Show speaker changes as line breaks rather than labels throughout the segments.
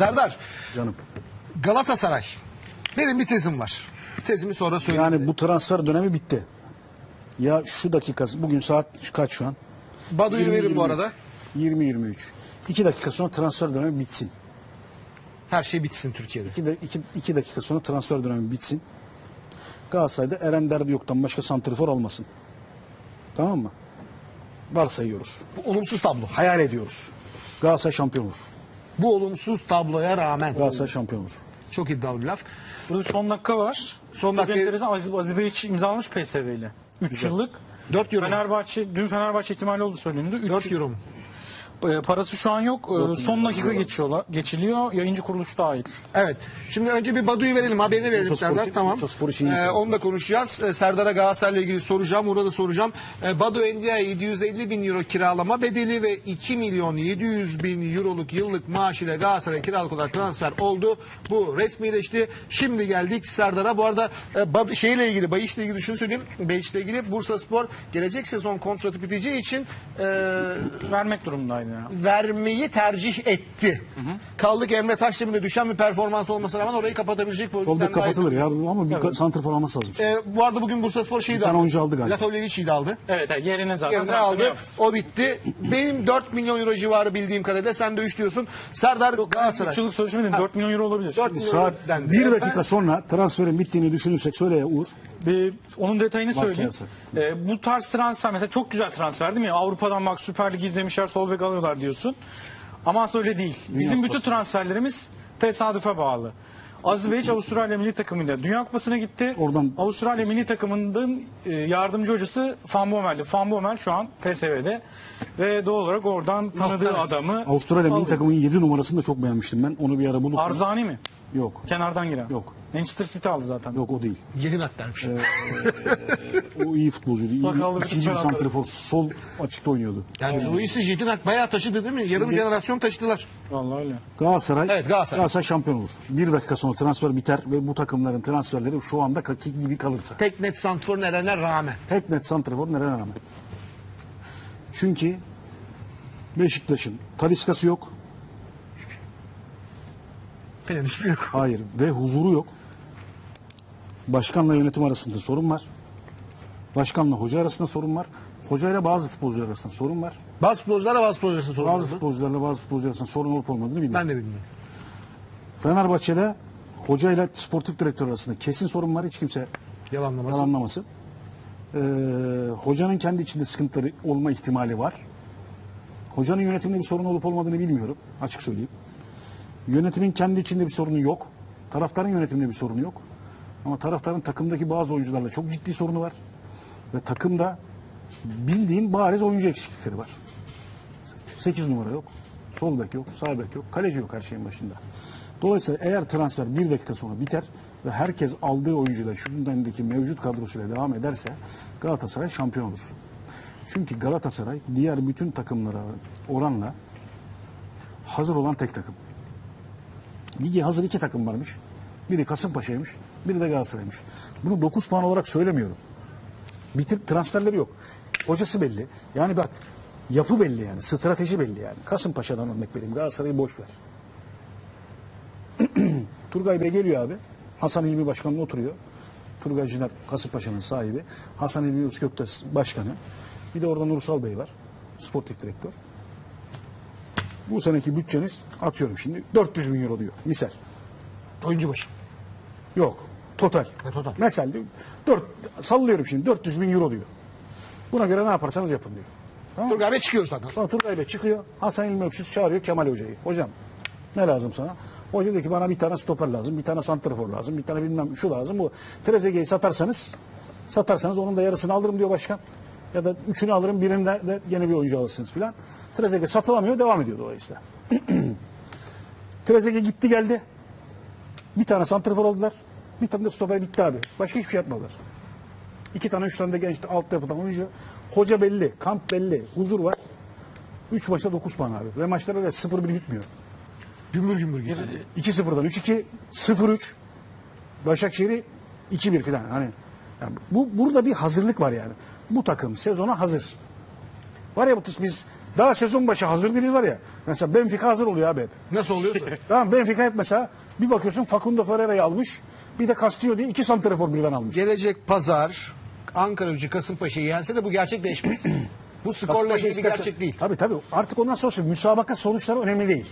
Serdar,
Canım.
Galatasaray. Benim bir tezim var. Tezimi sonra söyleyeyim.
Yani bu transfer dönemi bitti. Ya şu dakikası, bugün saat kaç şu an?
Badu'yu verin bu arada.
20-23. 2 dakika sonra transfer dönemi bitsin.
Her şey bitsin Türkiye'de.
2 dakika sonra transfer dönemi bitsin. Galatasaray'da Eren Derdi yoktan başka santrifor almasın. Tamam mı? Varsayıyoruz.
Bu olumsuz tablo.
Hayal ediyoruz. Galatasaray şampiyon olur.
Bu olumsuz tabloya rağmen.
Galatasaray şampiyon olur.
Çok iddialı bir laf.
Burada son dakika var.
Son
Çok
dakika-
enteresan. Aziz Bey imzalamış PSV ile. 3 yıllık.
4 euro.
Dün Fenerbahçe ihtimali oldu söyleniyordu.
4 euro mu?
Parası şu an yok. Son dakika geçiliyor. Yayıncı kuruluş dahil.
Evet. Şimdi önce bir Badu'yu verelim. Haberini verelim
Bursaspor
Serdar.
için-
Tamam.
Bursaspor için iyi yapıyorsun.
Onu da konuşacağız. Serdar'a Galatasaray'la ilgili soracağım. Murat'a soracağım. Badu Endia'ya 750 bin euro kiralama bedeli ve 2 milyon 700 bin euroluk yıllık maaşıyla Galatasaray'a kiralık olarak transfer oldu. Bu resmileşti. Şimdi geldik Serdar'a. Bu arada şeyle ilgili, Bayiş'le ilgili şunu söyleyeyim. Bayiş'le ilgili Bursaspor gelecek sezon kontratı biteceği için
Vermek durumundaydı ya.
vermeyi tercih etti. Kaldık Emre Taşdemir'de düşen bir performans olmasına rağmen orayı kapatabilecek
Sol
pozisyonda.
bek kapatılır ya ama bir santrifor alması lazım.
Bu arada bugün Bursaspor şeyi de
Bir tane
aldı.
oyuncu aldı galiba.
Latovlevic'i de aldı.
Evet, yerine zaten
Yerine
transferi
aldı.
yaptı.
O bitti. Benim 4 milyon euro civarı bildiğim kadarıyla. Sen de 3 diyorsun. Serdar Galatasaray.
3 yıllık sözleşme değil, 4 milyon euro olabilir.
4 milyon
Saat
euro dendi.
1 dakika sonra transferin bittiğini düşünürsek söyle ya Uğur.
Onun detayını söyleyeyim.
Varsayarsak.
Bu tarz transfer mesela çok güzel transfer değil mi? Avrupa'dan bak Süper Lig izlemişler, sol bek alıyorlar diyorsun. Ama aslında öyle değil. Bizim bütün transferlerimiz tesadüfe bağlı. Aziz Bey Avustralya milli takımıyla Dünya Kupası'na gitti.
Oradan-
Avustralya milli takımının yardımcı hocası Van Bommel'di. Van Bommel şu an PSV'de ve doğal olarak oradan tanıdığı
Evet.
adamı
Avustralya milli
alıyor.
takımının 7 numarasını da çok beğenmiştim ben. Onu bir ara bulup...
Arzani mi?
Yok.
Kenardan giren.
Yok.
Manchester City aldı zaten.
Yok o değil.
Yeni naklermiş.
O iyi futbolcuydu.
Sakallı bir
İkinci bir
tüccar
santrifor. Sol açıkta oynuyordu.
Yani Luis'i Jedinak bayağı taşıdı değil mi? Yarım jenerasyon taşıdılar.
Vallahi öyle.
Galatasaray,
Evet, Galatasaray.
şampiyon olur. 1 dakika sonra transfer biter ve bu takımların transferleri şu anda kakik gibi kalırsa.
Tek net santrfor Eren'e rağmen.
Tek net santrifor nereye rağmen. Çünkü Beşiktaş'ın Talisca'sı yok.
Falan hiçbir yok.
Hayır ve huzuru yok. Başkanla yönetim arasında sorun var. Başkanla hoca arasında sorun var. Hocayla bazı futbolcular arasında sorun var.
Bazı futbolcularla bazı futbolcularla sorun
Bazı
oldu.
futbolcularla bazı futbolcular arasında sorun olup olmadığını bilmiyorum.
Ben de bilmiyorum.
Fenerbahçe'de hocayla sportif direktör arasında kesin sorun var. Hiç kimse
Yalanlaması.
yalanlamasın. Hocanın kendi içinde sıkıntıları olma ihtimali var. Hocanın yönetiminde bir sorun olup olmadığını bilmiyorum. Açık söyleyeyim. Yönetimin kendi içinde bir sorunu yok. Taraftarın yönetiminde bir sorunu yok. Ama taraftarın takımdaki bazı oyuncularla çok ciddi sorunu var. Ve takımda bildiğin bariz oyuncu eksiklikleri var. 8 numara yok. Sol bek yok. Sağ bek yok. Kaleci yok her şeyin başında. Dolayısıyla eğer transfer 1 dakika sonra biter ve herkes aldığı oyuncuyla şu gündemdeki mevcut kadrosuyla devam ederse Galatasaray şampiyon olur. Çünkü Galatasaray diğer bütün takımlara oranla hazır olan tek takım. Lige hazır 2 takım varmış. Biri Kasımpaşa'ymış, biri de Galatasaray'mış. Bunu 9 puan olarak söylemiyorum. Transferleri yok. Hocası belli. Yani bak yapı belli yani. Strateji belli yani. Kasımpaşa'dan örnek vereyim. Galatasaray'ı boş ver. Turgay Bey geliyor abi. Hasan İlmi Başkanı'nın oturuyor. Turgay Ciner Kasımpaşa'nın sahibi. Hasan İlmi Üsküp'te başkanı. Bir de orada Nursal Bey var. Sportif direktör. Bu seneki bütçeniz atıyorum şimdi 400 bin euro diyor. Misal.
Oyuncu başı.
Yok. Total.
Total.
Mesela sallıyorum şimdi 400 bin euro diyor. Buna göre ne yaparsanız yapın diyor. Tamam mı?
Turgay Bey çıkıyor zaten.
Sonra Turgay Bey çıkıyor. Hasan İlmi Öksüz çağırıyor Kemal Hoca'yı. Hocam ne lazım sana? Hoca diyor ki bana bir tane stoper lazım, bir tane santrafor lazım, bir tane bilmem şu lazım. Bu Trezeguet'i satarsanız onun da yarısını alırım diyor başkan. Ya da 3'ünü alırım, birinde de yeni bir oyuncu alırsınız filan. Trezeguet satılamıyor, devam ediyor dolayısıyla. Trezeguet gitti geldi. Bir tane santrafor aldılar. Bir tane de stoper bitti abi. Başka hiçbir şey yapmadılar. 2 tane 3 tane de genç altyapıdan oyuncu. Hoca belli, kamp belli, huzur var. 3 maçta 9 puan abi. Ve maçlara da 0-1 bitmiyor.
Gümbür gümbür gidiyor.
2-0'dan 3-2, 0-3. Başakşehir'i 2-1 filan. Hani yani burada bir hazırlık var yani. Bu takım sezona hazır. Var ya biz daha sezon başı hazır değiliz var ya. Mesela Benfica hazır oluyor abi hep.
Nasıl oluyorsa.
Tamam, Benfica hep mesela bir bakıyorsun Facundo Ferreira'yı almış. Bir de Castillo diye 2 santrafor birden almış.
Gelecek pazar Ankara Gücü Kasımpaşa'yı yense de bu gerçekleşmez. Bu skorla
Kasımpaşa
ilgili bir
isterse-
gerçek değil.
Tabii. Artık ondan sonra müsabaka sonuçları önemli değil.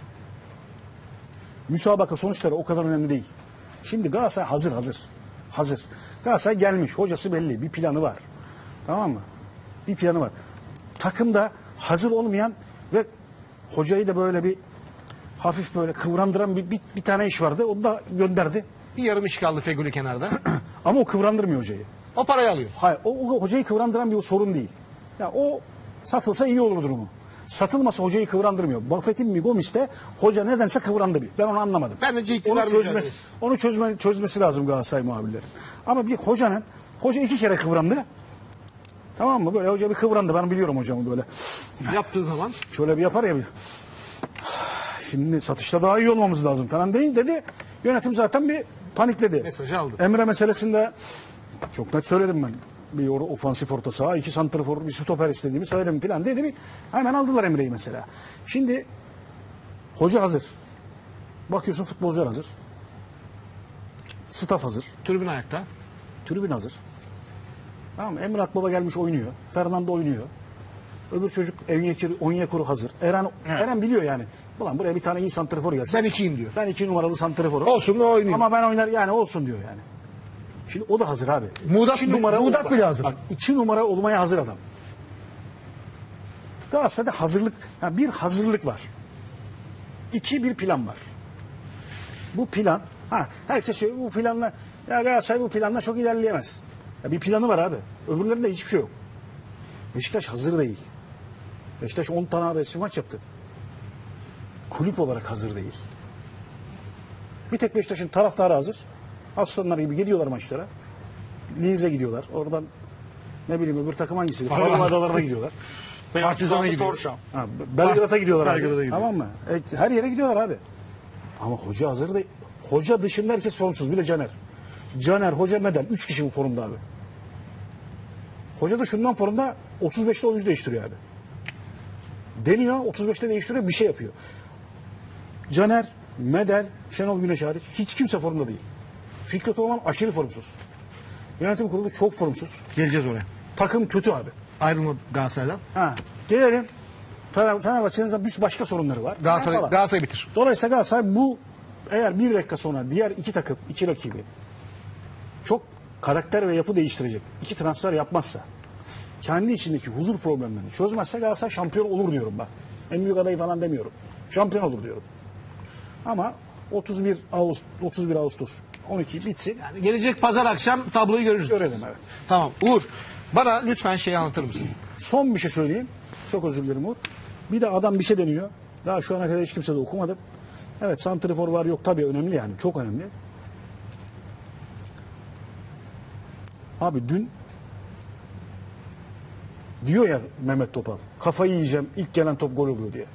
Müsabaka sonuçları o kadar önemli değil. Şimdi Galatasaray hazır. Galatasaray gelmiş. Hocası belli. Bir planı var. Tamam mı? Bir planı var. Takımda hazır olmayan ve hocayı da böyle bir hafif böyle kıvrandıran bir tane iş vardı. Onu da gönderdi.
Bir yarım iş kaldı Feguli kenarda.
Ama o kıvrandırmıyor hocayı.
O parayı alıyor.
Hayır, o hocayı kıvrandıran bir sorun değil. Ya o satılsa iyi olur durumu. Satılmasa hocayı kıvrandırmıyor. Buffett'in mi Gomis'te hoca nedense kıvrandı bir. Ben onu anlamadım.
Bence
Onu
iktidar
çözmesi lazım Galatasaray muhabirleri. Ama bir hoca 2 kere kıvrandı. Tamam mı? Böyle hoca bir kıvrandı. Ben biliyorum hocamı böyle.
yaptığı zaman
Şöyle bir yapar ya bir. Şimdi satışta daha iyi olmamız lazım falan değil dedi. Yönetim zaten bir panikledi.
Mesajı aldı.
Emre meselesinde çok net söyledim ben. Bir ofansif orta saha, 2 santrafor, bir stoper istediğimi söyledim falan dedi. Hemen aldılar Emre'yi mesela. Şimdi hoca hazır. Bakıyorsun futbolcular hazır. Staff hazır.
tribün ayakta.
Tribün hazır. Tamam mı? Emre Akbaba gelmiş oynuyor. Fernando oynuyor. Öbür çocuk Onyekuru hazır. Eren biliyor yani. Ulan buraya bir tane iyi santrafor gelse.
Ben 2'yim diyor.
Ben 2 numaralı santraforum.
Olsun da oynayayım.
Ama ben oynar yani olsun diyor yani. Şimdi o da hazır abi.
Muğdat bile hazır.
Bak, 2 numara olmaya hazır adam. Galatasaray'da hazırlık, bir hazırlık var. 2 bir plan var. Bu plan, herkes söylüyor bu planla, ya Galatasaray bu planla çok ilerleyemez. Ya bir planı var abi. Öbürlerinde hiçbir şey yok. Beşiktaş hazır değil. Beşiktaş 10 tane abesi maç yaptı. Kulüp olarak hazır değil. Bir tek Beşiktaş'ın taraftarı hazır. Aslanlar gibi gidiyorlar maçlara. Lize gidiyorlar. Oradan ne bileyim öbür takım hangisi? Faroe Adaları'na gidiyorlar.
Partizan'a gidiyor.
Torşam.
Belgrad'a gidiyorlar abi.
Belgrad'a gidiyor.
Tamam mı? Her yere gidiyorlar abi. Ama hoca hazır değil. Hoca dışında herkes formsuz. Bir de Caner. Caner, Hoca, Medel. 3 kişi bu formda abi. Hoca da şundan formda 35'te oyuncu değiştiriyor abi. Deniyor 35'te değiştiriyor bir şey yapıyor. Caner, Medel, Şenol Güneş hariç hiç kimse formda değil. Fikret Orman aşırı formsuz. Yönetim kurulu çok formsuz.
Geleceğiz oraya.
Takım kötü abi.
Ayrılma Galatasaray'dan.
Gelelim. Fenerbahçe'nin bir başka sorunları var. Falan.
Galatasaray bitir.
Dolayısıyla Galatasaray bu eğer bir dakika sonra diğer 2 takım, 2 rakibi çok karakter ve yapı değiştirecek 2 transfer yapmazsa, kendi içindeki huzur problemlerini çözmezse Galatasaray şampiyon olur diyorum ben. En büyük adayı falan demiyorum. Şampiyon olur diyorum. Ama 31 Ağustos 12 bitsin.
Yani gelecek pazar akşam tabloyu görürüz.
Görelim, evet.
Tamam. Uğur, bana lütfen şeyi anlatır mısın?
Son bir şey söyleyeyim. Çok özür dilerim Uğur. Bir de adam bir şey deniyor. Daha şu ana kadar hiç kimse de okumadım. Evet, santrifor var yok tabii önemli yani. Çok önemli. Abi dün diyor ya Mehmet Topal, kafayı yiyeceğim ilk gelen top gol oluyor diye.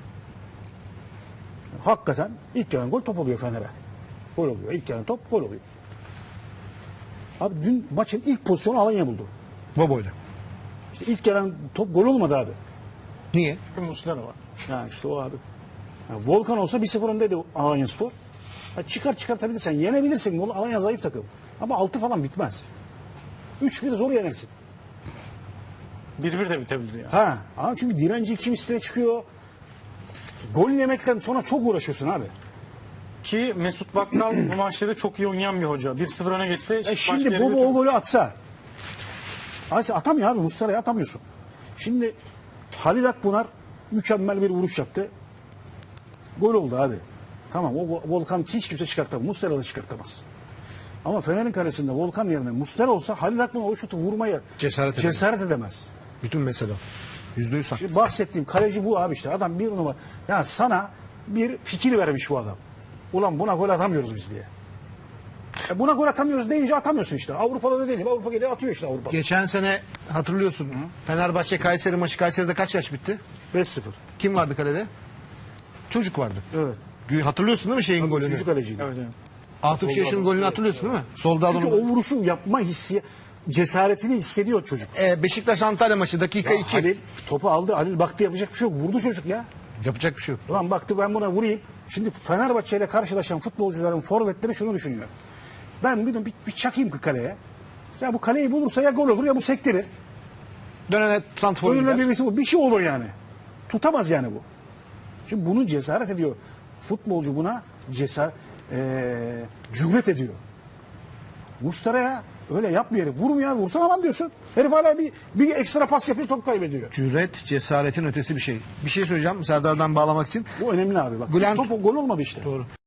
Hakikaten ilk gelen gol top oluyor Fener'e. Gol oluyor. İlk gelen top gol oluyor. Abi dün maçın ilk pozisyonu Alanya buldu.
Bobo'yla.
İşte ilk gelen top gol olmadı abi.
Niye?
Muslera var.
Ya işte o abi. Ya Volkan olsa 1-0 öndeydi Alanyaspor. Çıkartabilirsen yenebilirsin. Alanya zayıf takım. Ama 6 falan bitmez. 3-1 zor yenersin.
1-1 de bitebilir ya.
Ama çünkü direnci kim üstüne çıkıyor. Gol yemekten sonra çok uğraşıyorsun abi.
Ki Mesut Bakkal bu maçları çok iyi oynayan bir hoca. 1-0 öne geçse
Şimdi Bobo o golü atsa. Atamıyor abi. Muslera'ya atamıyorsun. Şimdi Halil Akbunar mükemmel bir vuruş yaptı. Gol oldu abi. Tamam o Volkan hiç kimse çıkartamaz. Muslera da çıkartamaz. Ama Fener'in kalesinde Volkan yerine Muslera olsa Halil Akbunar o şutu vurmaya cesaret edemez.
Bütün mesele. %100 haklısın.
Şimdi bahsettiğim kaleci bu abi işte. Adam bir numara. Ya sana bir fikir vermiş bu adam. Ulan buna gol atamıyoruz biz diye. Buna gol atamıyoruz deyince atamıyorsun işte. Avrupa'da da değil. Avrupa geliyor atıyor işte Avrupa.
Geçen sene hatırlıyorsun. Fenerbahçe Kayseri maçı. Kayseri'de kaç yaş bitti?
5-0.
Kim vardı kalede? Çocuk vardı.
Evet.
Hatırlıyorsun değil mi şeyin golünü?
Üçüncü kaleciydi.
Evet, evet.
Atıf Yaşar'ın golünü hatırlıyorsun değil mi? Solda
Çünkü o vuruşu yapma cesaretini hissediyor çocuk.
Beşiktaş Antalya maçı dakika 2.
Halil topu aldı. Halil baktı yapacak bir şey yok. Vurdu çocuk ya.
Yapacak bir şey yok.
Ulan baktı ben buna vurayım. Şimdi Fenerbahçe ile karşılaşan futbolcuların forvetleri şunu düşünüyor. Ben bir çakayım ki kaleye. Ya bu kaleyi bulursa ya gol olur ya bu sektirir.
Dönene santrfor
Önüne
gider.
bir şey olur yani. Tutamaz yani bu. Şimdi bunu cesaret ediyor. Futbolcu buna cüret ediyor. Muslera'ya öyle yapmıyor herif. Vurmuyor, vursana lan diyorsun. Herif hala bir ekstra pas yapıyor, top kaybediyor.
Cüret, cesaretin ötesi bir şey. Bir şey söyleyeceğim Serdar'dan bağlamak için.
Bu önemli abi bak.
Bülent-
Top gol olmadı işte.
Doğru.